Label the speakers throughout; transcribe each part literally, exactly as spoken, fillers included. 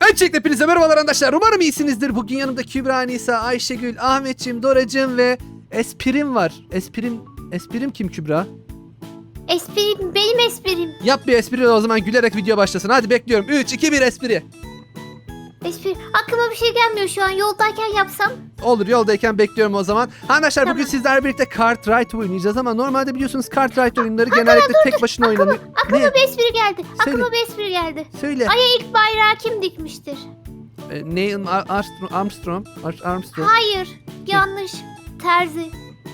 Speaker 1: Öncelikle hepinize merhabalar arkadaşlar. Umarım iyisinizdir. Bugün yanımda Kübra, Nisa, Ayşegül, Ahmetciğim, Doracığım ve Esprim var. Esprim, Esprim kim Kübra?
Speaker 2: Esprim benim esprim.
Speaker 1: Yap bir espri o zaman, gülerek video başlasın. Hadi bekliyorum. üç, iki, bir espri.
Speaker 2: Espri. Aklıma bir şey gelmiyor şu an. Yoldayken yapsam.
Speaker 1: Olur, yoldayken bekliyorum o zaman. Arkadaşlar bugün
Speaker 2: Tamam.
Speaker 1: sizlerle birlikte Cartwright oynayacağız ama normalde biliyorsunuz Cartwright oyunları genellikle tek başına oynanıyor.
Speaker 2: Aklıma
Speaker 1: Ne?
Speaker 2: bir espri geldi.
Speaker 1: Söyle.
Speaker 2: Aklıma bir espri geldi.
Speaker 1: Söyle.
Speaker 2: Ay'a ilk bayrağı kim dikmiştir?
Speaker 1: Ee, Neil Ar- Armstrong, Armstrong, Ar- Armstrong.
Speaker 2: Hayır. Yanlış. Terzi.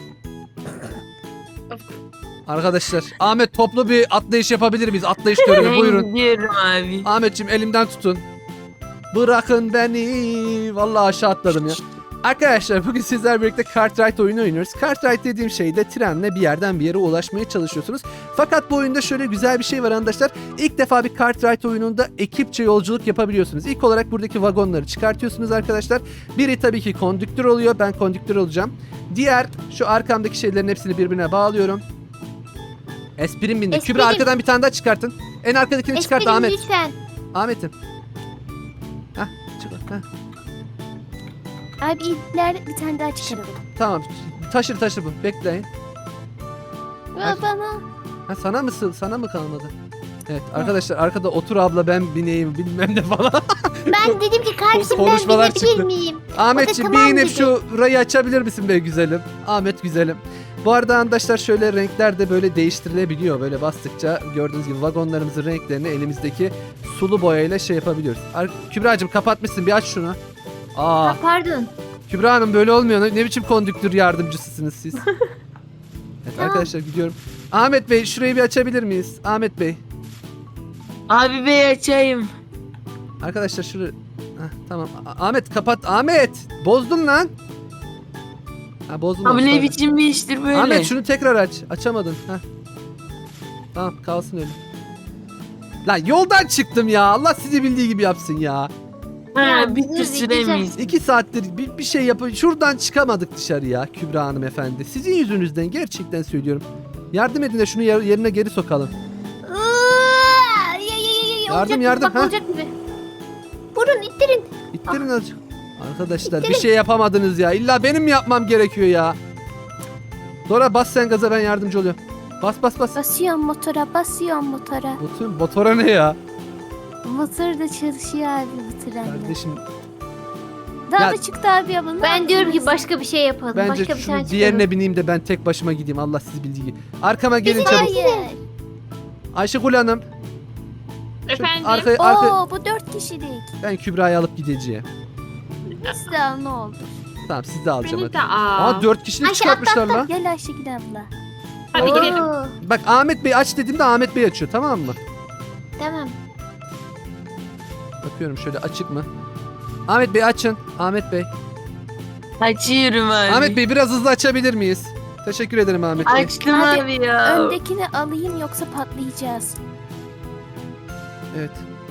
Speaker 1: Arkadaşlar Ahmet, toplu bir atlayış yapabilir miyiz? Atlayış töreni buyurun.
Speaker 3: Ben gidiyorum abi.
Speaker 1: Ahmetciğim elimden tutun. Bırakın beni. Vallahi aşağı atladım ya. Arkadaşlar bugün sizlerle birlikte Cartwright oyunu oynuyoruz. Cartwright dediğim şey de trenle bir yerden bir yere ulaşmaya çalışıyorsunuz. Fakat bu oyunda şöyle güzel bir şey var arkadaşlar. İlk defa bir Cartwright oyununda ekipçe yolculuk yapabiliyorsunuz. İlk olarak buradaki vagonları çıkartıyorsunuz arkadaşlar. Biri tabii ki kondüktör oluyor. Ben kondüktör olacağım. Diğer şu arkamdaki şeylerin hepsini birbirine bağlıyorum. Esprim bindi.
Speaker 2: Esprim.
Speaker 1: Kübra arkadan bir tane daha çıkartın. En arkadakini çıkart
Speaker 2: Esprim
Speaker 1: Ahmet.
Speaker 2: lütfen.
Speaker 1: Ahmet'im. Hah, çık. Hah.
Speaker 2: Abi ileride bir tane daha çıkaralım.
Speaker 1: Tamam. Taşır taşır bu. Bekleyin. Ay.
Speaker 2: Bana.
Speaker 1: Ha, sana mı sığ- sana mı kalmadı? Evet arkadaşlar, arkada otur abla ben bineyim bilmem ne falan.
Speaker 2: Ben dedim ki kardeşim ben
Speaker 1: Konuşmalar
Speaker 2: binebilir
Speaker 1: çıktı.
Speaker 2: miyim?
Speaker 1: Ahmetciğim
Speaker 2: tamam
Speaker 1: bir inip
Speaker 2: dedi.
Speaker 1: şu rayı açabilir misin be güzelim? Ahmet güzelim. Bu arada arkadaşlar şöyle renkler de böyle değiştirilebiliyor. Böyle bastıkça gördüğünüz gibi vagonlarımızın renklerini elimizdeki sulu boyayla şey yapabiliyoruz. Ar- Kübra'cığım kapatmışsın, bir aç şunu. Aa,
Speaker 2: Ha, pardon.
Speaker 1: Kübra Hanım böyle olmuyor. Ne ne biçim kondüktör yardımcısısınız siz? Evet
Speaker 2: Tamam.
Speaker 1: arkadaşlar gidiyorum. Ahmet Bey şurayı bir açabilir miyiz? Ahmet Bey.
Speaker 3: Abi bey açayım.
Speaker 1: Arkadaşlar şurayı... Heh, tamam. A- Ahmet kapat. Ahmet! Bozdun lan. Ha bozdun.
Speaker 3: Abi ne
Speaker 1: olsun.
Speaker 3: biçim bir iştir böyle.
Speaker 1: Ahmet şunu tekrar aç. Açamadın. Heh. Tamam kalsın öyle. Lan yoldan çıktım ya. Allah sizi bildiği gibi yapsın ya.
Speaker 3: Ha,
Speaker 2: Ya,
Speaker 3: bitti
Speaker 2: güzel.
Speaker 3: süremiz.
Speaker 1: İki saattir bir, bir şey yapın. Şuradan çıkamadık dışarıya Kübra Hanım efendi. Sizin yüzünüzden gerçekten söylüyorum. Yardım edin de şunu yer- yerine geri sokalım.
Speaker 2: Iıı, ya, ya, ya, ya,
Speaker 1: Yardım,
Speaker 2: olacak gibi,
Speaker 1: yardım,
Speaker 2: bak
Speaker 1: ha?
Speaker 2: olacak gibi. Vurun ittirin.
Speaker 1: İttirin azıcık. Arkadaşlar bir
Speaker 2: İttirin.
Speaker 1: şey yapamadınız ya. İlla benim mi yapmam gerekiyor ya? Dora bas sen gaza, ben yardımcı oluyorum. Bas bas bas.
Speaker 4: Basıyorum motora, basıyorum motora.
Speaker 1: Motor, motora ne ya?
Speaker 4: Motor da çalışıyor abi bu trenle.
Speaker 1: Kardeşim
Speaker 4: Daha
Speaker 1: Ya-
Speaker 4: da çıktı abi abla. ne
Speaker 2: Ben diyorum ki
Speaker 4: yaptınız?
Speaker 2: başka bir şey yapalım.
Speaker 1: bence
Speaker 2: başka bir
Speaker 1: şunu
Speaker 2: tane
Speaker 1: diğerine
Speaker 2: çıkaralım.
Speaker 1: bineyim de ben tek başıma gideyim. Allah sizi bildiği gibi. Arkama gelin çabuk.
Speaker 4: Hayır.
Speaker 1: Ayşegül Hanım. şu
Speaker 5: Efendim?
Speaker 1: Arka, arka,
Speaker 4: Oo bu dört kişilik.
Speaker 1: ben Kübra'yı alıp gideceğim.
Speaker 4: Size al ne oldu?
Speaker 1: Tamam siz de alacağım
Speaker 5: Beni
Speaker 1: hadi.
Speaker 5: de al.
Speaker 1: Aa dört kişilik
Speaker 2: Ayşe,
Speaker 1: çıkartmışlar lan.
Speaker 4: Gel Ayşegül abla.
Speaker 5: Hadi
Speaker 1: Oo.
Speaker 5: gidelim.
Speaker 2: Oo,
Speaker 1: Bak Ahmet Bey aç dediğimde Ahmet Bey açıyor, tamam mı?
Speaker 2: tamam.
Speaker 1: Bakıyorum şöyle açık mı? Ahmet Bey açın. Ahmet Bey.
Speaker 3: Açıyorum abi.
Speaker 1: Ahmet Bey biraz hızlı açabilir miyiz? Teşekkür ederim Ahmet Bey.
Speaker 3: Açtım
Speaker 4: Abi,
Speaker 3: abi ya.
Speaker 4: Öndekini alayım yoksa patlayacağız.
Speaker 1: Evet.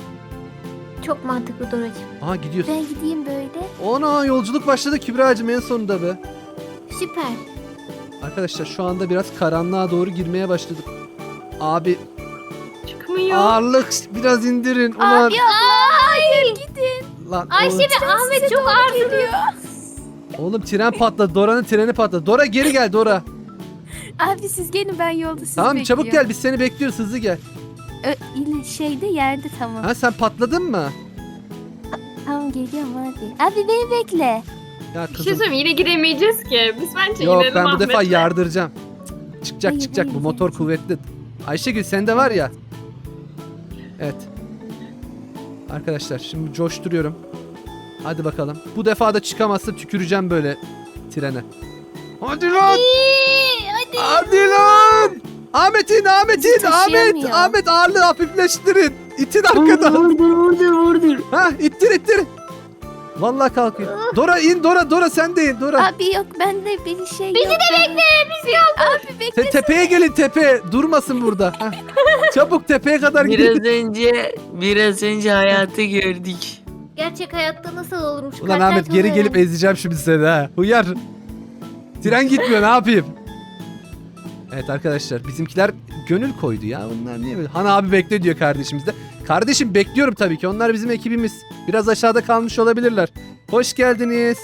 Speaker 2: Çok mantıklı Doracığım.
Speaker 1: Aha gidiyorsun.
Speaker 4: Ben gideyim böyle.
Speaker 1: Ona yolculuk başladı Kübra'cığım en sonunda be.
Speaker 2: Süper.
Speaker 1: Arkadaşlar şu anda biraz karanlığa doğru girmeye başladık. Abi
Speaker 5: Çıkmıyor.
Speaker 1: ağırlık biraz indirin. Ulan.
Speaker 4: Abi abla hayır gidin.
Speaker 1: Lan,
Speaker 2: Ayşe
Speaker 1: oğlum,
Speaker 2: ve Ahmet çok ağır
Speaker 4: geliyor.
Speaker 1: oğlum tren patladı. Dora'nın treni patladı. Dora geri gel Dora.
Speaker 4: Abi siz gelin ben yolda sizi
Speaker 1: Tamam
Speaker 4: bekliyorum.
Speaker 1: çabuk gel, biz seni bekliyoruz, hızlı gel.
Speaker 4: Ö, ile şeyde yerde tamam.
Speaker 1: Ha sen patladın mı?
Speaker 4: Tamam geliyorum hadi. Abi beni bekle.
Speaker 1: Ya
Speaker 5: Bir şey
Speaker 1: kızım.
Speaker 5: söyleyeyim, yine giremeyeceğiz ki. Biz bence
Speaker 1: Yok
Speaker 5: inelim
Speaker 1: ben bu defa
Speaker 5: Ahmet'le.
Speaker 1: yardıracağım. Cık, Çıkacak
Speaker 4: Hayır,
Speaker 1: çıkacak
Speaker 4: hayır,
Speaker 1: bu motor
Speaker 4: hayır.
Speaker 1: kuvvetli. Ayşegül sende var ya. Evet. Arkadaşlar şimdi coşturuyorum. Hadi bakalım. Bu defa da çıkamazsa tüküreceğim böyle trene. Hadi lan!
Speaker 2: İyi, hadi.
Speaker 1: Hadi lan! Ahmet'in Ahmet'in
Speaker 4: Bizi
Speaker 1: Ahmet
Speaker 4: taşıyamıyor.
Speaker 1: Ahmet ağırlığı hafifleştirin. İtin arkadan.
Speaker 3: Vurdur vurdur vurdur.
Speaker 1: Ha ittir ittir. Vallahi kalkıyor. Dora in Dora Dora sen de in Dora.
Speaker 4: Abi yok bende bir şey
Speaker 2: Bizi
Speaker 4: yok.
Speaker 2: de
Speaker 4: ben-
Speaker 2: bekle. Biz kaldık.
Speaker 4: Abi bekle.
Speaker 1: Te- tepeye gelin tepe. Durmasın burada. Hah. Çabuk tepeye kadar gidin.
Speaker 3: Biraz önce biraz önce hayatı gördük.
Speaker 2: Gerçek hayatta nasıl olurmuş?
Speaker 1: Ulan
Speaker 2: Kalpten
Speaker 1: Ahmet geri
Speaker 2: sonra
Speaker 1: gelip ezeceğim şimdi seni ha. Uyar. Tren gitmiyor, ne yapayım? Evet arkadaşlar bizimkiler gönül koydu ya. Bunlar niye böyle? Han abi bekle diyor kardeşimiz de. Kardeşim bekliyorum tabii ki. Onlar bizim ekibimiz. Biraz aşağıda kalmış olabilirler. Hoş geldiniz.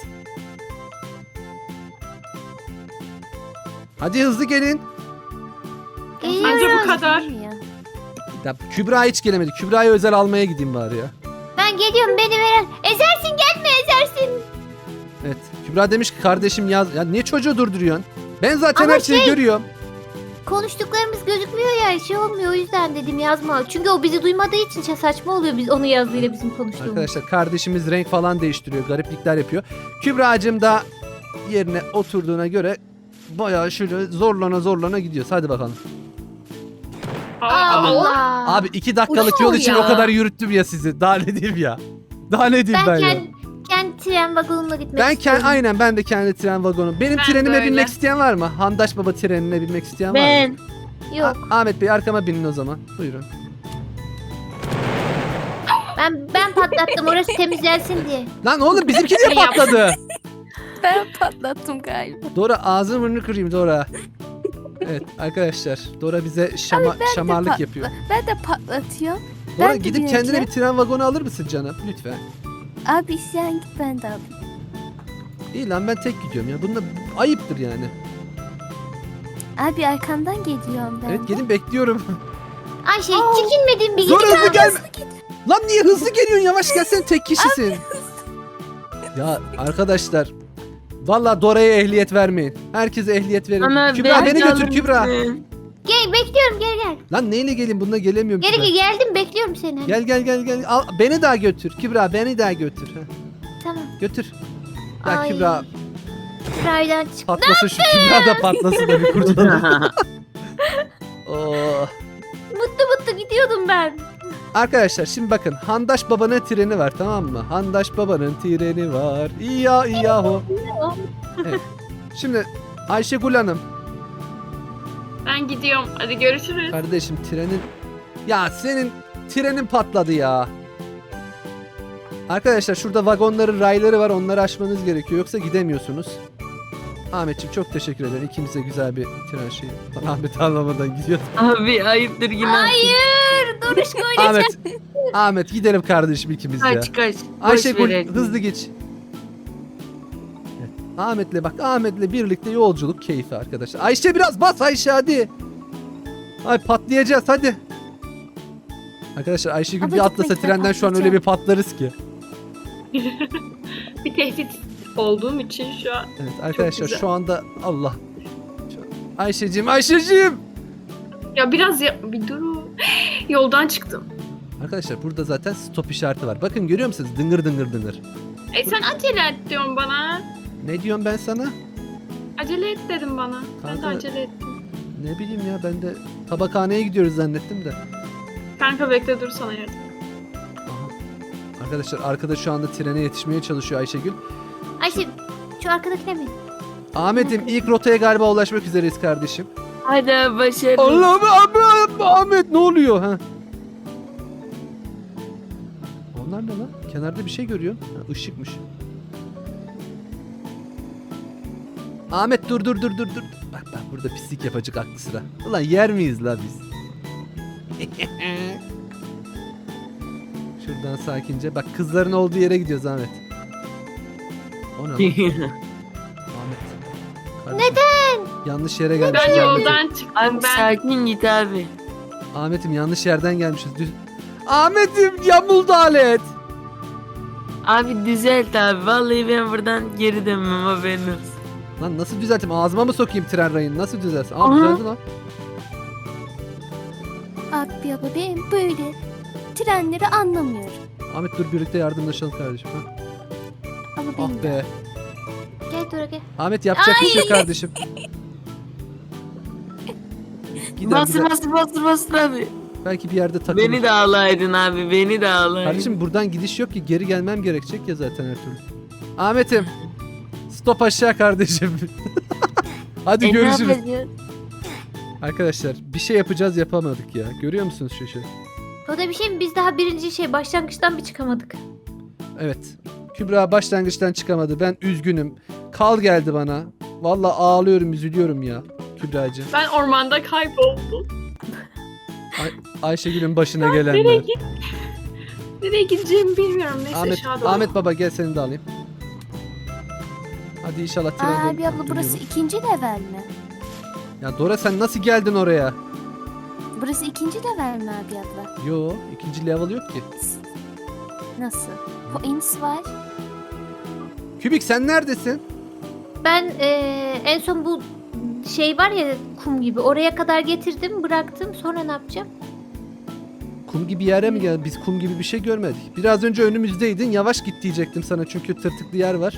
Speaker 1: Hadi hızlı gelin.
Speaker 5: Bence
Speaker 2: Geliyorum.
Speaker 5: bu kadar.
Speaker 1: Ya Kübra hiç gelemedi. Kübra'yı özel almaya gideyim bari ya.
Speaker 2: Ben geliyorum, beni veren. Ezersin, gelme ezersin.
Speaker 1: Evet. Kübra demiş ki kardeşim yaz. Ya niye çocuğu durduruyorsun? Ben zaten
Speaker 2: Ama
Speaker 1: her şeyi
Speaker 2: şey-
Speaker 1: görüyorum.
Speaker 2: Konuştuklarımız gözükmüyor ya, şey olmuyor, o yüzden dedim yazma. Çünkü o bizi duymadığı için şey saçma oluyor biz onu yazdığıyla bizim konuştuğumuz.
Speaker 1: Arkadaşlar kardeşimiz renk falan değiştiriyor. Gariplikler yapıyor. Kübra'cığım da yerine oturduğuna göre bayağı şöyle zorlana zorlana gidiyoruz. Hadi bakalım.
Speaker 2: Allah.
Speaker 1: Abi iki dakikalık
Speaker 2: Uçuyor
Speaker 1: yol için
Speaker 2: ya.
Speaker 1: o kadar yürüttüm ya sizi. Daha ne diyeyim ya. Daha ne diyeyim ben,
Speaker 2: ben
Speaker 1: ya.
Speaker 2: kendi, kendi tren vagonumla gitmek
Speaker 1: Ben
Speaker 2: istiyorum.
Speaker 1: kend, aynen ben de kendi tren vagonum. Benim
Speaker 5: Ben
Speaker 1: trenime
Speaker 5: de öyle.
Speaker 1: binmek isteyen var mı? Handaş Baba trenine binmek isteyen var mı?
Speaker 3: Ben.
Speaker 2: Yok,
Speaker 1: Ah- Ahmet Bey arkama binin o zaman. Buyurun.
Speaker 2: ben ben patlattım orası temizlensin diye.
Speaker 1: Lan oğlum bizimki niye
Speaker 5: Yap.
Speaker 1: patladı?
Speaker 4: Ben patlattım galiba.
Speaker 1: Dora ağzını burnunu kırayım Dora. Evet arkadaşlar Dora bize şama, şamarlık
Speaker 4: pat-
Speaker 1: yapıyor.
Speaker 4: Ben de patlatıyorum.
Speaker 1: Dora
Speaker 4: ben de
Speaker 1: gidip kendine
Speaker 4: bineceğim.
Speaker 1: bir tren vagonu alır mısın canım? Lütfen.
Speaker 4: Abi sen git ben de alayım.
Speaker 1: İyi lan ben tek gidiyorum ya. Bunda ayıptır yani.
Speaker 4: Abi arkandan geliyorum ben.
Speaker 1: Evet gelin bekliyorum.
Speaker 2: Ayşe hiç çekinmedin bir
Speaker 1: Zor
Speaker 2: gidip
Speaker 1: hızlı gelme. Lan niye hızlı geliyorsun? Yavaş gel sen tek kişisin. Ya arkadaşlar. Vallahi Dora'ya ehliyet vermeyin. Herkese ehliyet verin.
Speaker 3: Ama
Speaker 1: Kübra beni
Speaker 3: alır
Speaker 1: götür Kübra.
Speaker 3: mısın?
Speaker 2: Gel, bekliyorum, gel gel.
Speaker 1: Lan neyle geleyim? Bununla gelemiyorum
Speaker 2: Geri
Speaker 1: Kübra.
Speaker 2: gel, geldim, bekliyorum seni.
Speaker 1: Gel gel gel gel. Al, beni daha götür. Kübra beni daha götür. Heh,
Speaker 2: Tamam.
Speaker 1: götür. Ya
Speaker 2: Ay.
Speaker 1: Kübra
Speaker 2: Raydan çık.
Speaker 1: patlasın şu Kübra da patlasın da bir kurtulalım. Oh.
Speaker 2: Mutlu mutlu gidiyordum ben.
Speaker 1: Arkadaşlar şimdi bakın Handaş Baba'nın treni var tamam mı? Handaş Baba'nın treni var. İya iya ho. Evet. Şimdi Ayşegül Hanım
Speaker 5: Ben gidiyorum. Hadi görüşürüz.
Speaker 1: kardeşim trenin ya senin trenin patladı ya. Arkadaşlar şurada vagonların rayları var onları aşmanız gerekiyor yoksa gidemiyorsunuz. Ahmetciğim çok teşekkür ederim. İkimize güzel bir tren şeyi. Lan Ahmet anlamadan gidiyor.
Speaker 3: Abi ayıptır yine.
Speaker 2: Hayır, Doruşko öyle.
Speaker 1: Ahmet. Ahmet gidelim kardeşim ikimiz ya.
Speaker 3: Kaç kaç. Boş
Speaker 1: Ayşegül
Speaker 3: verelim.
Speaker 1: hızlı geç. Evet, Ahmet'le bak Ahmet'le birlikte yolculuk keyfi arkadaşlar. Ayşe biraz bas Ayşe hadi. Ay patlayacağız hadi. Arkadaşlar Ayşegül
Speaker 4: Ama
Speaker 1: bir atlasa
Speaker 4: gitmekten
Speaker 1: trenden şu an öyle bir patlarız ki.
Speaker 5: Bir tehdit olduğum için şu an.
Speaker 1: Evet arkadaşlar
Speaker 5: güzel.
Speaker 1: şu anda Allah. Şu- Ayşeciğim Ayşeciğim.
Speaker 5: Ya biraz ya bir durun. Yoldan çıktım.
Speaker 1: Arkadaşlar burada zaten stop işareti var. Bakın görüyor musunuz? Dıngır dıngır dıngır.
Speaker 5: E sen acele et diyorsun bana.
Speaker 1: Ne diyorum ben sana?
Speaker 5: Acele et dedim bana. Ben de
Speaker 1: Kanka-
Speaker 5: acele ettim.
Speaker 1: Ne bileyim ya ben de tabakhaneye gidiyoruz zannettim de.
Speaker 5: Kanka bekle dur sana yardım.
Speaker 1: Aha. Arkadaşlar arkada şu anda trene yetişmeye çalışıyor Ayşegül.
Speaker 2: Ayşe şu arkadakine mi?
Speaker 1: Ahmet'im ilk rotaya galiba ulaşmak üzereyiz kardeşim.
Speaker 3: Hadi abi, başarılı.
Speaker 1: Allah'ım abi, Ahmet ne oluyor ha? Onlar ne lan? Kenarda bir şey görüyor. Ha, ışıkmış. Ahmet dur dur dur dur dur. Bak bak burada pislik yapacak aklı sıra. Ulan yer miyiz la biz? Şuradan sakince. Bak kızların olduğu yere gidiyoruz Ahmet. O ne lan? Ahmet. Neden? Yanlış yere gelmişiz.
Speaker 5: Ben
Speaker 1: Ahmet'im.
Speaker 5: yoldan çıktım.
Speaker 3: Abi
Speaker 5: Ben
Speaker 3: sakin git abi.
Speaker 1: Ahmet'im yanlış yerden gelmişiz. Düz... Ahmet'im yamuldu alet.
Speaker 3: Abi düzelt abi. Vallahi ben buradan geri dönmem haberin olsun.
Speaker 1: Lan nasıl düzelteyim? Ağzıma mı sokayım tren rayını? Nasıl düzelsin? Aa
Speaker 3: Aha.
Speaker 1: düzeldi lan.
Speaker 4: Abi abi ben böyle trenleri anlamıyorum.
Speaker 1: Ahmet dur birlikte yardımlaşalım kardeşim. Ha?
Speaker 4: Ama
Speaker 1: Ah
Speaker 4: benim de.
Speaker 1: be.
Speaker 2: Gel Dora gel.
Speaker 1: Ahmet yapacak bir şey yok kardeşim. Gidelim,
Speaker 3: Bastır
Speaker 1: gidelim.
Speaker 3: bastır bastır bastır abi.
Speaker 1: Belki bir yerde takılır.
Speaker 3: Beni de ağlaydın abi. Beni de ağlaydın.
Speaker 1: Kardeşim buradan gidiş yok ki. Geri gelmem gerekecek ya zaten her türlü. Ahmet'im. Stop aşağı kardeşim. Hadi
Speaker 3: E, ne
Speaker 1: görüşürüz.
Speaker 3: yapacağız?
Speaker 1: Arkadaşlar bir şey yapacağız yapamadık ya. Görüyor musunuz şu şey?
Speaker 2: O da bir şey mi? Biz daha birinci şey başlangıçtan bir çıkamadık.
Speaker 1: Evet. Kübra başlangıçtan çıkamadı. Ben üzgünüm. Kal geldi bana. Vallahi ağlıyorum, üzülüyorum ya Kübra'cığım.
Speaker 5: ben ormanda kayboldum.
Speaker 1: Ayşegül'ün başına
Speaker 5: Nereye
Speaker 1: gelenler.
Speaker 5: git? Nereye gideceğimi bilmiyorum. Neyse
Speaker 1: Ahmet,
Speaker 5: aşağı doğru.
Speaker 1: Ahmet baba gel seni de alayım. Hadi inşallah
Speaker 4: Aa,
Speaker 1: trende
Speaker 4: abi abla burası
Speaker 1: duruyormuş.
Speaker 4: ikinci level mi?
Speaker 1: Ya Dora sen nasıl geldin oraya?
Speaker 4: Burası ikinci level mi abi abla?
Speaker 1: Yo ikinci level yok ki.
Speaker 4: Nasıl? Points var.
Speaker 1: Kübik sen neredesin?
Speaker 2: Ben eee, en son bu şey var ya kum gibi oraya kadar getirdim bıraktım sonra ne yapacağım?
Speaker 1: Kum gibi yere mi geldin? Biz kum gibi bir şey görmedik. Biraz önce önümüzdeydin. Yavaş git diyecektim sana çünkü tırtıklı yer var.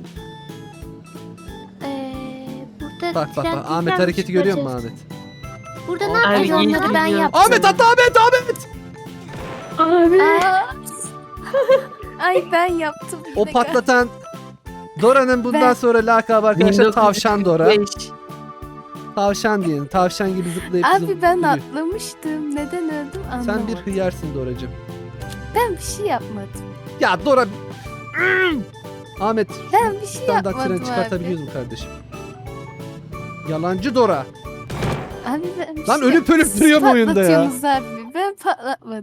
Speaker 2: Eee burada
Speaker 1: Bak bak
Speaker 2: tren
Speaker 1: bak Ahmet
Speaker 2: tekrar
Speaker 1: hareketi görüyor musun
Speaker 2: çıkacağız.
Speaker 1: Ahmet?
Speaker 2: Burada ne
Speaker 3: Abi,
Speaker 2: yapacağız
Speaker 3: iyi
Speaker 2: onları?
Speaker 4: Onları ben
Speaker 3: gidiyor.
Speaker 4: yaptım.
Speaker 1: Ahmet hatta Ahmet Ahmet!
Speaker 5: Abi.
Speaker 4: Aa. Ay ben yaptım.
Speaker 1: O
Speaker 4: yine
Speaker 1: patlatan Dora'nın bundan
Speaker 4: Ben-
Speaker 1: sonra lakabı arkadaşlar Tavşan Dora.
Speaker 3: bin dokuz yüz kırk beş.
Speaker 1: Tavşan diyelim. Tavşan gibi zıplayıp
Speaker 4: Abi
Speaker 1: zıplayıp
Speaker 4: ben
Speaker 1: duruyor.
Speaker 4: atlamıştım. Neden öldüm anlamadım.
Speaker 1: Sen bir hıyarsın Doracığım.
Speaker 4: Ben bir şey yapmadım.
Speaker 1: Ya Dora... Ahmet
Speaker 4: Ben bir şey
Speaker 1: standart
Speaker 4: yapmadım
Speaker 1: tren çıkartabiliyoruz
Speaker 4: abi.
Speaker 1: mu kardeşim? Yalancı Dora.
Speaker 4: Abi ben bir
Speaker 1: Lan
Speaker 4: şey
Speaker 1: ölüp ölüp
Speaker 4: Siz
Speaker 1: duruyor bu oyunda ya.
Speaker 4: patlatıyorsunuz abi. Ben patlatmadım.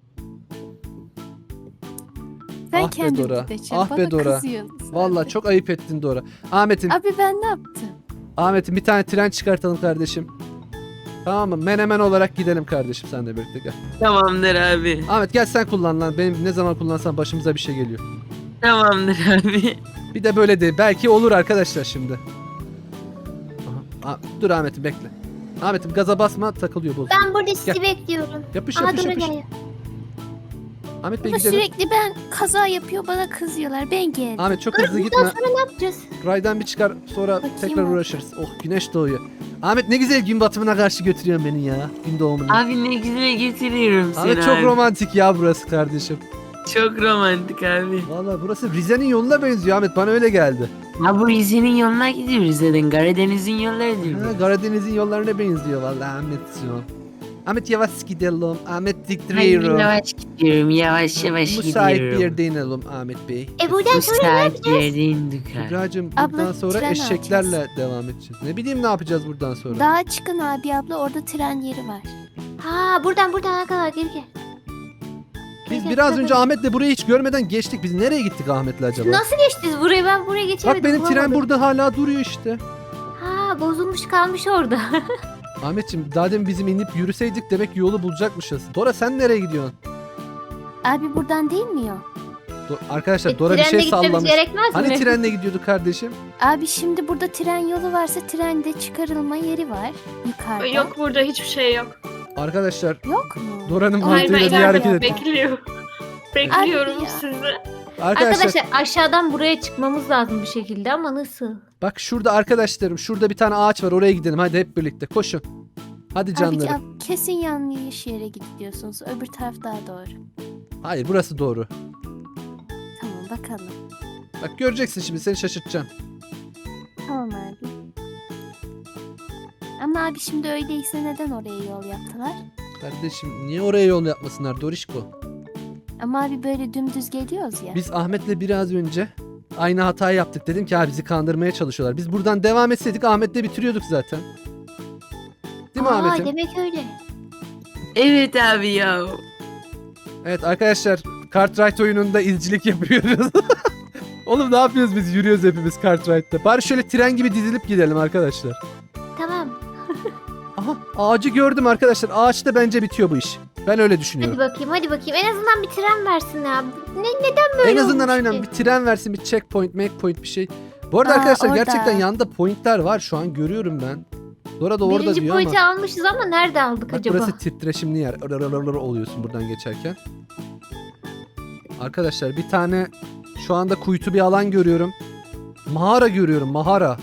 Speaker 4: Sen
Speaker 1: Ah be
Speaker 4: kendin
Speaker 1: Dora,
Speaker 4: gideceksin.
Speaker 1: ah be
Speaker 4: Bana
Speaker 1: Dora.
Speaker 4: kızıyorsunuz
Speaker 1: Vallahi
Speaker 4: abi.
Speaker 1: çok ayıp ettin Dora. Ahmet'in
Speaker 4: Abi ben ne yaptım?
Speaker 1: Ahmet'in bir tane tren çıkartalım kardeşim. Tamam mı? Menemen olarak gidelim kardeşim sen de birlikte gel.
Speaker 3: Tamamdır abi.
Speaker 1: Ahmet gel sen kullan lan. Benim ne zaman kullansam başımıza bir şey geliyor.
Speaker 3: Tamamdır abi.
Speaker 1: Bir de böyle de belki olur arkadaşlar şimdi. Aha. Aa, dur Ahmet'im bekle. Ahmet'im gaza basma takılıyor bu.
Speaker 2: Ben burada sizi
Speaker 1: Gel.
Speaker 2: bekliyorum.
Speaker 1: Yapış
Speaker 2: Aha
Speaker 1: yapış
Speaker 2: Dora
Speaker 1: yapış.
Speaker 2: geliyor.
Speaker 1: Ahmet Bey
Speaker 4: Ama
Speaker 1: gidelim.
Speaker 4: sürekli ben kaza yapıyor bana kızıyorlar. Ben geldim.
Speaker 1: Ahmet çok hızlı
Speaker 2: Bundan
Speaker 1: gitme.
Speaker 2: sonra ne yapacağız?
Speaker 1: Raydan bir çıkar sonra
Speaker 4: Bakayım
Speaker 1: tekrar
Speaker 4: abi.
Speaker 1: uğraşırız. Oh güneş doğuyor. Ahmet ne güzel gün batımına karşı götürüyorsun beni ya. Gün doğumuna.
Speaker 3: Abi ne güzel getiriyorum seni
Speaker 1: Ahmet çok
Speaker 3: abi.
Speaker 1: romantik ya burası kardeşim.
Speaker 3: Çok romantik abi.
Speaker 1: Valla burası Rize'nin yoluna benziyor Ahmet bana öyle geldi.
Speaker 3: Ha bu Rize'nin yoluna gidiyoruz zaten. Karadeniz'in yolları değil
Speaker 1: Ha,
Speaker 3: mi?
Speaker 1: Karadeniz'in yollarına benziyor valla Ahmetciğim. Ahmet yavaş gidelim. Ahmet
Speaker 3: Hadi
Speaker 1: diktiriyorum.
Speaker 3: yavaş gidiyorum. Yavaş yavaş
Speaker 1: Müsait
Speaker 3: gidiyorum.
Speaker 1: bir yerde inelim Ahmet Bey.
Speaker 2: E buradan
Speaker 3: Bu
Speaker 2: sonra ne
Speaker 3: saat
Speaker 2: yapacağız?
Speaker 3: yerde indik abi.
Speaker 1: Kübra'cığım
Speaker 4: Abla,
Speaker 1: buradan sonra
Speaker 4: tren
Speaker 1: eşeklerle
Speaker 4: alacağız.
Speaker 1: devam edeceğiz. Ne bileyim ne yapacağız buradan sonra.
Speaker 4: Dağa çıkın abi abla orada tren yeri var.
Speaker 2: Ha buradan buradan ne kadar geri gel.
Speaker 1: Biz
Speaker 2: Gel,
Speaker 1: biraz
Speaker 2: gel,
Speaker 1: önce
Speaker 2: gel.
Speaker 1: Ahmet'le burayı hiç görmeden geçtik. Biz nereye gittik Ahmet'le acaba?
Speaker 2: Nasıl geçtiniz buraya? Ben buraya geçemedim.
Speaker 1: Bak benim tren
Speaker 2: bulamadım.
Speaker 1: burada hala duruyor işte.
Speaker 2: Ha bozulmuş kalmış orada.
Speaker 1: Ahmet'ciğim daha demin bizim inip yürüseydik demek ki yolu bulacakmışız. Dora sen nereye gidiyorsun?
Speaker 4: Abi buradan değil mi o?
Speaker 1: Do- Arkadaşlar
Speaker 2: E,
Speaker 1: Dora bir
Speaker 2: trenle
Speaker 1: şey
Speaker 2: gitmemiz
Speaker 1: sallamış.
Speaker 2: gerekmez
Speaker 1: Hani
Speaker 2: mi?
Speaker 1: trenle gidiyordu kardeşim?
Speaker 4: Abi şimdi burada tren yolu varsa trende çıkarılma yeri var yukarıda.
Speaker 5: Yok burada hiçbir şey yok.
Speaker 1: Arkadaşlar
Speaker 4: Yok mu?
Speaker 1: Dora'nın
Speaker 5: Hayır ben
Speaker 1: mantığıyla niye hareket
Speaker 5: ileride
Speaker 1: etti?
Speaker 5: bekliyorum. Bekliyorum
Speaker 4: Abi ya.
Speaker 5: sizi.
Speaker 1: Arkadaşlar,
Speaker 2: Arkadaşlar aşağıdan buraya çıkmamız lazım bir şekilde ama nasıl?
Speaker 1: bak şurada arkadaşlarım şurada bir tane ağaç var oraya gidelim hadi hep birlikte koşun. Hadi
Speaker 4: Abi
Speaker 1: canlarım.
Speaker 4: ab- kesin yanlış yere gidiyorsunuz. Öbür taraf daha doğru.
Speaker 1: Hayır burası doğru.
Speaker 4: Tamam bakalım.
Speaker 1: Bak göreceksin şimdi seni şaşırtacağım.
Speaker 4: Tamam abi. Ama abi şimdi öyleyse neden oraya yol yaptılar?
Speaker 1: Kardeşim niye oraya yol yapmasınlar Dorişko?
Speaker 4: Ama abi böyle dümdüz geliyoruz ya.
Speaker 1: Biz Ahmet'le biraz önce aynı hatayı yaptık. Dedim ki abi bizi kandırmaya çalışıyorlar. Biz buradan devam etseydik Ahmet'le bitiriyorduk zaten. Değil mi
Speaker 2: Aa,
Speaker 1: Ahmet'im?
Speaker 2: demek öyle.
Speaker 3: Evet abi ya.
Speaker 1: Evet arkadaşlar Cartwright oyununda izcilik yapıyoruz. Oğlum ne yapıyoruz biz? Yürüyoruz hepimiz Cartwright'ta. Bari şöyle tren gibi dizilip gidelim arkadaşlar.
Speaker 2: Tamam.
Speaker 1: Aha ağacı gördüm arkadaşlar. Ağaçta bence bitiyor bu iş. Ben öyle
Speaker 2: Hadi
Speaker 1: düşünüyorum.
Speaker 2: bakayım hadi bakayım. En azından bir tren versin ya. Ne, neden böyle
Speaker 1: En azından
Speaker 2: olmuş
Speaker 1: aynen
Speaker 2: ki?
Speaker 1: bir tren versin, bir checkpoint, make point bir şey. Bu arada
Speaker 4: Aa,
Speaker 1: arkadaşlar
Speaker 4: orada.
Speaker 1: gerçekten yanında pointler var şu an görüyorum ben. Dora da orada
Speaker 2: Birinci
Speaker 1: diyor
Speaker 2: boyutu
Speaker 1: ama.
Speaker 2: almışız ama nerede aldık
Speaker 1: Bak
Speaker 2: acaba?
Speaker 1: burası titreşimli yer. Rrrrrrr oluyorsun buradan geçerken. Arkadaşlar bir tane şu anda kuytu bir alan görüyorum. Mağara görüyorum, mağara.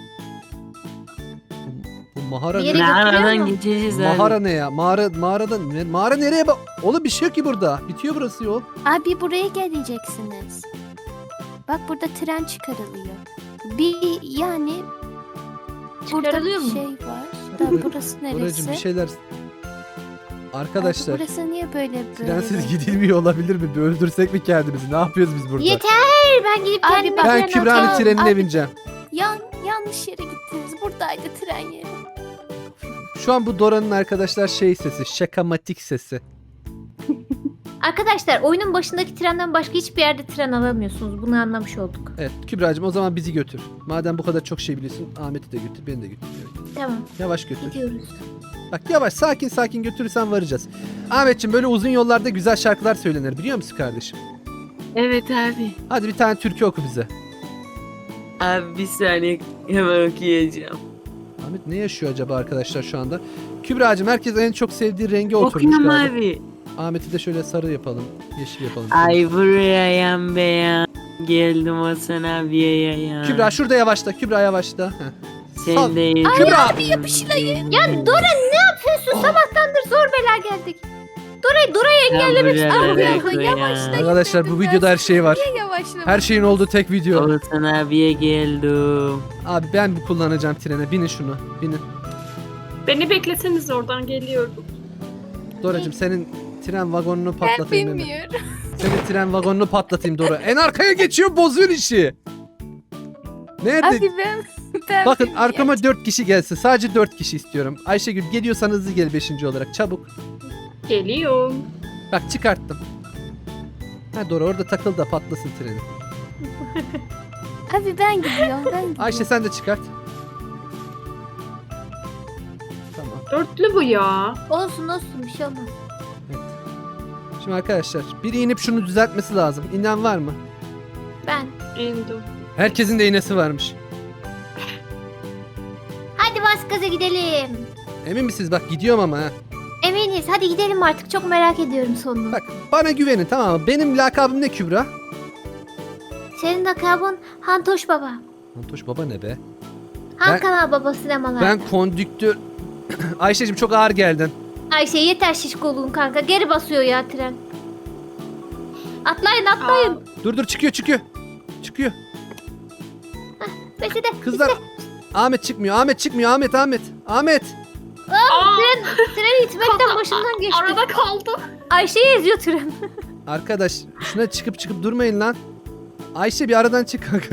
Speaker 1: Bu, bu mağara
Speaker 2: Bir
Speaker 1: ne?
Speaker 2: yere götürüyor
Speaker 3: Aradan
Speaker 2: mu?
Speaker 3: geçeceğiz abi.
Speaker 1: Mağara ne ya? Mağara mağarada ne? Mağara nereye bak? Oğlum bir şey yok ki burada. Bitiyor burası yol.
Speaker 4: Abi buraya geleceksiniz. Bak burada tren çıkarılıyor. Bir yani burada
Speaker 2: Çıkarılıyor
Speaker 4: bir
Speaker 2: mu?
Speaker 4: şey var. Da burası
Speaker 1: Doracığım
Speaker 4: neresi?
Speaker 1: bir şeyler. Arkadaşlar
Speaker 4: Abi burası niye böyle böyle?
Speaker 1: trensiz
Speaker 4: böyle?
Speaker 1: gidilmiyor olabilir mi? Bir öldürsek mi kendimizi? Ne yapıyoruz biz burada?
Speaker 2: Yeter ben gidip
Speaker 4: Abi
Speaker 2: kendime
Speaker 4: bak-
Speaker 1: Ben
Speaker 2: tren
Speaker 1: Kübra'nın
Speaker 2: alacağım.
Speaker 1: trenine
Speaker 4: Abi-
Speaker 1: bineceğim.
Speaker 4: Yan, yanlış yere gittiniz. Buradaydı tren yeri.
Speaker 1: Şu an bu Dora'nın arkadaşlar şey sesi, şakamatik sesi.
Speaker 2: Arkadaşlar oyunun başındaki trenden başka hiçbir yerde tren alamıyorsunuz. Bunu anlamış olduk.
Speaker 1: Evet Kübra'cığım o zaman bizi götür. Madem bu kadar çok şey biliyorsun Ahmet'i de götür, beni de götür.
Speaker 2: Tamam,
Speaker 1: Yavaş götür.
Speaker 2: gidiyoruz.
Speaker 1: Bak yavaş sakin sakin götürürsen varacağız. Ahmetciğim böyle uzun yollarda güzel şarkılar söylenir biliyor musun kardeşim?
Speaker 3: Evet abi.
Speaker 1: Hadi bir tane türkü oku bize.
Speaker 3: Abi bir saniye hemen okuyacağım.
Speaker 1: Ahmet ne yaşıyor acaba arkadaşlar şu anda? Kübra'cığım herkes en çok sevdiği renge oturmuş
Speaker 3: Okuyayım
Speaker 1: galiba.
Speaker 3: abi.
Speaker 1: Ahmet'i de şöyle sarı yapalım. Yeşil yapalım.
Speaker 3: Ay buraya yan beyan. Geldim Hasan abiye yayan.
Speaker 1: Kübra şurada yavaşla. Kübra yavaşla. Heh. Sal.
Speaker 3: Sen de
Speaker 1: Kübra!
Speaker 3: Abi yapışlayın.
Speaker 2: Ya Dora ne yapıyorsun? Sabahtandır zor bela geldik. Dora'yı Dora'yı engellemek istiyorum.
Speaker 4: Yavaşla.
Speaker 1: Arkadaşlar bu videoda her şey var.
Speaker 4: Yavaşla.
Speaker 1: Her şeyin olduğu tek video.
Speaker 3: Hasan abiye geldim.
Speaker 1: Abi ben bu kullanacağım trene. Binin şunu. Binin.
Speaker 5: Beni bekleseniz oradan geliyorum.
Speaker 1: Doracığım senin tren vagonunu
Speaker 4: Ben
Speaker 1: patlatayım. hemen.
Speaker 4: bilmiyorum.
Speaker 1: Senin tren vagonunu patlatayım Dora. En arkaya geçiyor bozuyor işi. Nerede?
Speaker 4: Abi ben, ben
Speaker 1: Bakın
Speaker 4: bilmiyorum.
Speaker 1: arkama dört kişi gelsin. Sadece dört kişi istiyorum. Ayşegül geliyorsan hızlı gel beşinci olarak. Çabuk.
Speaker 5: Geliyorum.
Speaker 1: Bak çıkarttım. Ha Dora orada takıl da patlasın treni.
Speaker 4: Abi ben gidiyorum ben gidiyorum.
Speaker 1: Ayşe sen de çıkart. Tamam.
Speaker 5: Dörtlü bu ya.
Speaker 2: Olsun olsun bir şey olmaz.
Speaker 1: Şimdi arkadaşlar biri inip şunu düzeltmesi lazım. İnen var mı?
Speaker 2: Ben.
Speaker 5: İndim.
Speaker 1: Herkesin de iğnesi varmış.
Speaker 2: Hadi bas gaza gidelim.
Speaker 1: Emin misiniz? Bak gidiyorum ama ha.
Speaker 2: Eminiz hadi gidelim artık. Çok merak ediyorum sonunu.
Speaker 1: Bak bana güvenin tamam mı? Benim lakabım ne Kübra?
Speaker 2: Senin lakabın Hantoş Baba.
Speaker 1: Antoş baba ne be?
Speaker 2: Han
Speaker 1: Ben-
Speaker 2: Kanal Baba sinemalarda.
Speaker 1: Ben kondüktör... Ayşe'cim çok ağır geldin.
Speaker 2: Ayşe yeter şişkoluğun kanka. Geri basıyor ya tren. Atlayın atlayın.
Speaker 5: Aa,
Speaker 1: Dur dur çıkıyor çıkıyor. Çıkıyor.
Speaker 2: Besi de.
Speaker 1: Kızlar. Ahmet çıkmıyor. Ahmet çıkmıyor. Ahmet Ahmet. Ahmet.
Speaker 5: aa,
Speaker 2: Tren, tren itmekten
Speaker 5: Kanka,
Speaker 2: başından geçti.
Speaker 5: arada kaldı.
Speaker 2: Ayşe'yi eziyor tren.
Speaker 1: Arkadaş şuna çıkıp çıkıp durmayın lan. Ayşe bir aradan çık kanka.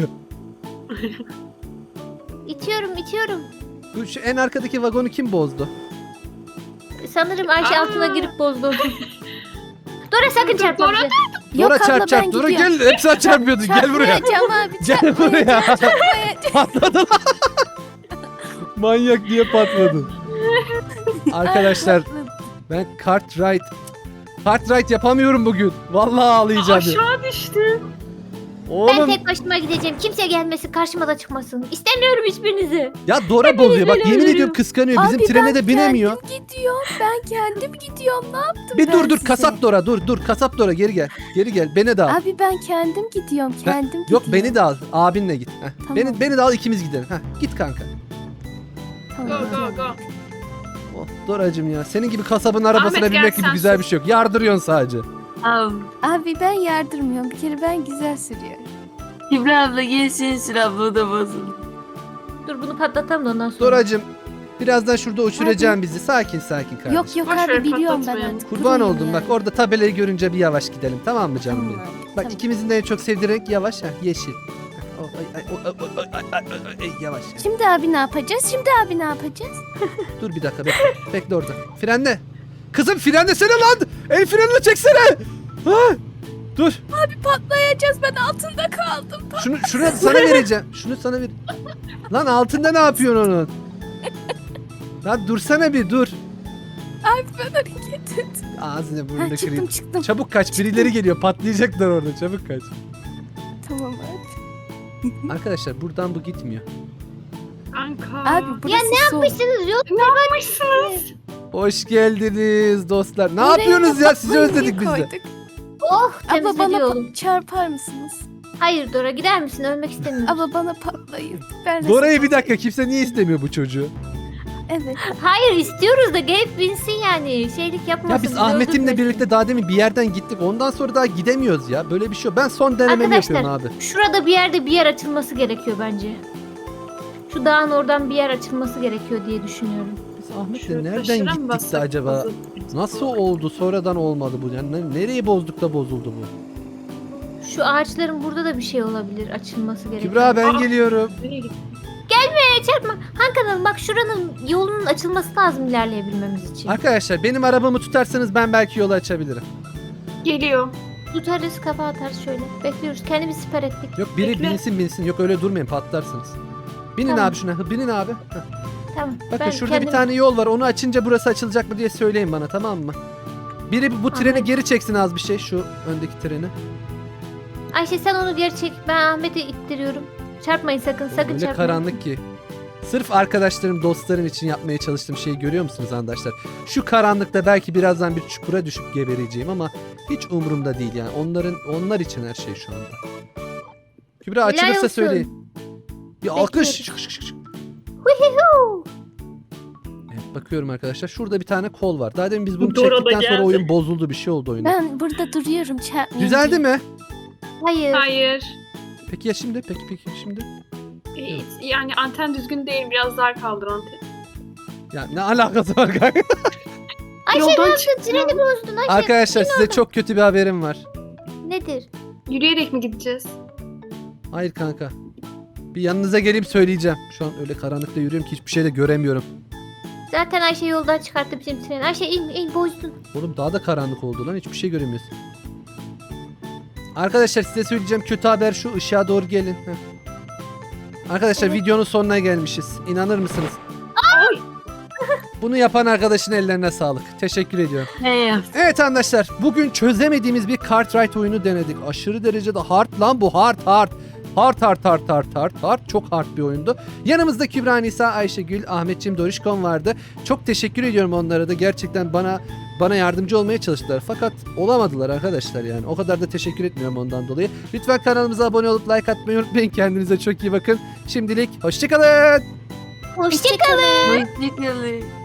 Speaker 2: İtiyorum itiyorum.
Speaker 1: Bu şu en arkadaki vagonu kim bozdu?
Speaker 2: Sanırım Ayşe
Speaker 5: Aa.
Speaker 2: altına girip bozdu. Dora sakın çarpma
Speaker 5: Dora
Speaker 2: bize.
Speaker 4: Yok
Speaker 1: Dora
Speaker 4: abla,
Speaker 1: çarp
Speaker 4: ben
Speaker 1: çarp. Dora
Speaker 4: gidiyorum.
Speaker 1: gel. Hep sen çarpıyordun. Gel buraya.
Speaker 4: Çarpmayacağım abi.
Speaker 1: Gel buraya.
Speaker 4: Çarpmayacağım.
Speaker 1: Patladı lan. Manyak diye patladı. Arkadaşlar ben kart ride kart ride yapamıyorum bugün. Vallahi ağlayacağım. ya.
Speaker 5: Aşağı düştü.
Speaker 2: Ben
Speaker 1: Oğlum
Speaker 2: tek başıma gideceğim. Kimse gelmesin karşıma da çıkmasın. İstemiyorum hiçbirinizi.
Speaker 1: ya Dora bozuyor. Bak
Speaker 2: böyle
Speaker 1: yemin
Speaker 2: ölürüm.
Speaker 1: ediyorum kıskanıyor. Bizim
Speaker 4: Abi
Speaker 1: trene
Speaker 4: ben
Speaker 1: de binemiyor.
Speaker 4: kendim gidiyorum. Ben kendim gidiyorum. Ne yaptım
Speaker 1: Bir
Speaker 4: ben
Speaker 1: dur dur
Speaker 4: size?
Speaker 1: kasap Dora dur dur kasap Dora geri gel. Geri gel beni de al.
Speaker 4: Abi ben kendim gidiyorum.
Speaker 1: Ben-
Speaker 4: Kendim
Speaker 1: Yok
Speaker 4: gidiyorum.
Speaker 1: beni de al. Abinle git. Heh.
Speaker 4: Tamam.
Speaker 1: Beni beni de al ikimiz gidelim. Heh. Git kanka.
Speaker 5: Go
Speaker 4: Tamam.
Speaker 5: go go.
Speaker 1: Oh, Doracım ya. Senin gibi kasabın arabasına
Speaker 5: Ahmet, gel
Speaker 1: binmek gibi
Speaker 5: sen
Speaker 1: güzel
Speaker 5: sür.
Speaker 1: bir şey yok. Yardırıyorsun sadece.
Speaker 3: Abi
Speaker 4: Abi ben yardırmıyorum. Bir kere ben güzel sürüyorum.
Speaker 3: Kübra abla gelsin Sür abla o da bozuldu.
Speaker 2: Dur bunu patlatalım da ondan sonra.
Speaker 1: Doracım birazdan şurada uçuracaksın bizi. Sakin sakin kardeşim.
Speaker 4: Yok yok
Speaker 5: Boş ver,
Speaker 4: abi biliyorum ben
Speaker 5: patlatmayalım.
Speaker 4: artık.
Speaker 1: Kurban
Speaker 4: Buradayım
Speaker 1: oldum
Speaker 4: yani.
Speaker 1: bak orada tabelayı görünce bir yavaş gidelim tamam mı canım
Speaker 4: Tamam
Speaker 1: benim?
Speaker 4: abi,
Speaker 1: Bak
Speaker 4: tamam.
Speaker 1: ikimizin de en çok sevdiği renk yavaş ha yeşil. Oh, ay, ay, oh, ay, ay, ay, ay, ay, ay, yavaş. ya.
Speaker 4: Şimdi abi ne yapacağız? Şimdi abi ne yapacağız?
Speaker 1: Dur bir dakika bekle. Bekle orada. Frenle. Kızım frenlesene lan. El frenini çeksene. Ha? Dur.
Speaker 4: Abi patlayacağız. Ben altında kaldım.
Speaker 1: Şunu şunu sana vereceğim. Şunu sana ver. Lan altında ne yapıyorsun onun? Lan dursana bir dur.
Speaker 4: Abi ben hareket et.
Speaker 1: Ağzını burnunu
Speaker 4: Ha, çıktım
Speaker 1: kırayım.
Speaker 4: çıktım.
Speaker 1: Çabuk kaç. Birileri geliyor. Patlayacaklar orada. Çabuk kaç.
Speaker 4: Tamam abi.
Speaker 1: Arkadaşlar buradan bu gitmiyor.
Speaker 5: Kanka.
Speaker 4: Abi burası
Speaker 2: Ya ne
Speaker 4: soğuk.
Speaker 2: yapmışsınız? Yok.
Speaker 5: Ne yapmışsınız?
Speaker 1: Hoş geldiniz dostlar. Ne
Speaker 4: Oraya
Speaker 1: yapıyorsunuz ya? Sizi
Speaker 4: patlayıcı
Speaker 1: özledik biz de.
Speaker 4: koyduk.
Speaker 2: Oh
Speaker 4: Abla
Speaker 2: temizledi
Speaker 4: bana
Speaker 2: yolum.
Speaker 4: pa- çarpar mısınız?
Speaker 2: Hayır Dora gider misin? Ölmek istemiyorum.
Speaker 4: Abla bana patlayın. Ben
Speaker 1: Dora'yı bir dakika. Kimse niye istemiyor bu çocuğu?
Speaker 4: Evet.
Speaker 2: Hayır istiyoruz da gelip binsin yani. Şeylik yapmasın.
Speaker 1: Ya biz
Speaker 2: bizi
Speaker 1: Ahmet'imle
Speaker 2: öldürmesin.
Speaker 1: birlikte daha demin bir yerden gittik. Ondan sonra daha gidemiyoruz ya. Böyle bir şey yok. Ben son denememi
Speaker 2: Arkadaşlar,
Speaker 1: yapıyorum abi.
Speaker 2: Şurada bir yerde bir yer açılması gerekiyor bence. Şu dağın oradan bir yer açılması gerekiyor diye düşünüyorum.
Speaker 1: Biz Ahmet'le
Speaker 5: Şurada
Speaker 1: nereden
Speaker 5: taşıra mı
Speaker 1: gittik de
Speaker 5: bassak
Speaker 1: acaba?
Speaker 5: bozuldu?
Speaker 1: Nasıl oldu? Sonradan olmadı bu. Yani ne- nereyi bozduk da bozuldu bu?
Speaker 2: Şu ağaçların burada da bir şey olabilir açılması gerekiyor.
Speaker 1: Kübra ben
Speaker 5: Aa.
Speaker 1: geliyorum.
Speaker 5: Nereye gitti?
Speaker 2: Gelme Çarpmaya çarpma. Han kanalım bak şuranın yolunun açılması lazım ilerleyebilmemiz için.
Speaker 1: Arkadaşlar benim arabamı tutarsanız ben belki yolu açabilirim.
Speaker 5: Geliyor.
Speaker 2: Tutarız kafa atarız şöyle. Bekliyoruz. Kendimizi siper ettik.
Speaker 1: Yok biri
Speaker 5: Bekle.
Speaker 1: binsin binsin. Yok öyle durmayın patlarsınız. Binin
Speaker 2: Tamam.
Speaker 1: abi şuna. Hı, binin abi. Heh.
Speaker 2: Tamam.
Speaker 1: Bakın
Speaker 2: ben
Speaker 1: şurada
Speaker 2: kendim-
Speaker 1: bir tane yol var. Onu açınca burası açılacak mı diye söyleyin bana, tamam mı? Biri bu treni
Speaker 2: Ahmet.
Speaker 1: geri çeksin az bir şey. Şu öndeki treni.
Speaker 2: Ayşe sen onu geri çek. Ben Ahmet'i ittiriyorum. Çarpmayın sakın. Sakın
Speaker 1: Öyle
Speaker 2: çarpmayın.
Speaker 1: karanlık ki. Sırf arkadaşlarım, dostlarım için yapmaya çalıştığım şeyi görüyor musunuz arkadaşlar? Şu karanlıkta belki birazdan bir çukura düşüp gebereceğim ama hiç umurumda değil yani. Onların onlar için her şey şu anda. Kübra
Speaker 2: Helal
Speaker 1: açılırsa
Speaker 2: olsun.
Speaker 1: söyleyin. Bir alkış.
Speaker 2: Bekliyoruz.
Speaker 1: Şık şık şık şık.
Speaker 2: Huhu.
Speaker 1: Evet, bakıyorum arkadaşlar. Şurada bir tane kol var. Daha demin biz bunu
Speaker 5: Dora da
Speaker 1: çektikten sonra
Speaker 5: geldi.
Speaker 1: oyun bozuldu. Bir şey oldu oyunda.
Speaker 4: Ben burada duruyorum çarpmayayım
Speaker 1: Düzeldi
Speaker 4: diye.
Speaker 1: mi?
Speaker 2: Hayır.
Speaker 5: Hayır.
Speaker 1: Peki ya şimdi? Peki peki şimdi?
Speaker 5: Ee, Yani anten düzgün değil. Biraz dar kaldır anten.
Speaker 1: Ya ne alakası var kanka?
Speaker 2: Ayşe
Speaker 5: Yoldan
Speaker 2: ne yaptın?
Speaker 5: çıktı.
Speaker 2: Treni bozdun Ayşe.
Speaker 1: Arkadaşlar size çok kötü bir haberim var.
Speaker 2: Nedir?
Speaker 5: Yürüyerek mi gideceğiz?
Speaker 1: Hayır kanka. Bir yanınıza gelip söyleyeceğim. Şu an öyle karanlıkta yürüyorum ki hiçbir şey de göremiyorum.
Speaker 2: Zaten Ayşe yoldan çıkarttı bizim treni. Ayşe in in bozdun.
Speaker 1: Oğlum daha da karanlık oldu lan. Hiçbir şey göremiyorsun. Arkadaşlar size söyleyeceğim kötü haber şu. Işığa doğru gelin. Heh. Arkadaşlar
Speaker 2: Evet.
Speaker 1: videonun sonuna gelmişiz. İnanır mısınız?
Speaker 5: Ay!
Speaker 1: Bunu yapan arkadaşın ellerine sağlık. Teşekkür ediyorum.
Speaker 3: Ne yaptın?
Speaker 1: Evet arkadaşlar bugün çözemediğimiz bir Cartwright oyunu denedik. Aşırı derecede hard lan bu, hard hard. Hard hard hard hard hard hard. Çok hard bir oyundu. Yanımızda Kübra Nisa, Ayşegül, Ahmetçim, Dorişkon vardı. Çok teşekkür ediyorum onlara da. Gerçekten bana bana yardımcı olmaya çalıştılar. Fakat olamadılar arkadaşlar yani. O kadar da teşekkür etmiyorum ondan dolayı. Lütfen kanalımıza abone olup like atmayı unutmayın. Kendinize çok iyi bakın. Şimdilik hoşçakalın.
Speaker 2: Hoşçakalın.
Speaker 3: Hoşçakalın.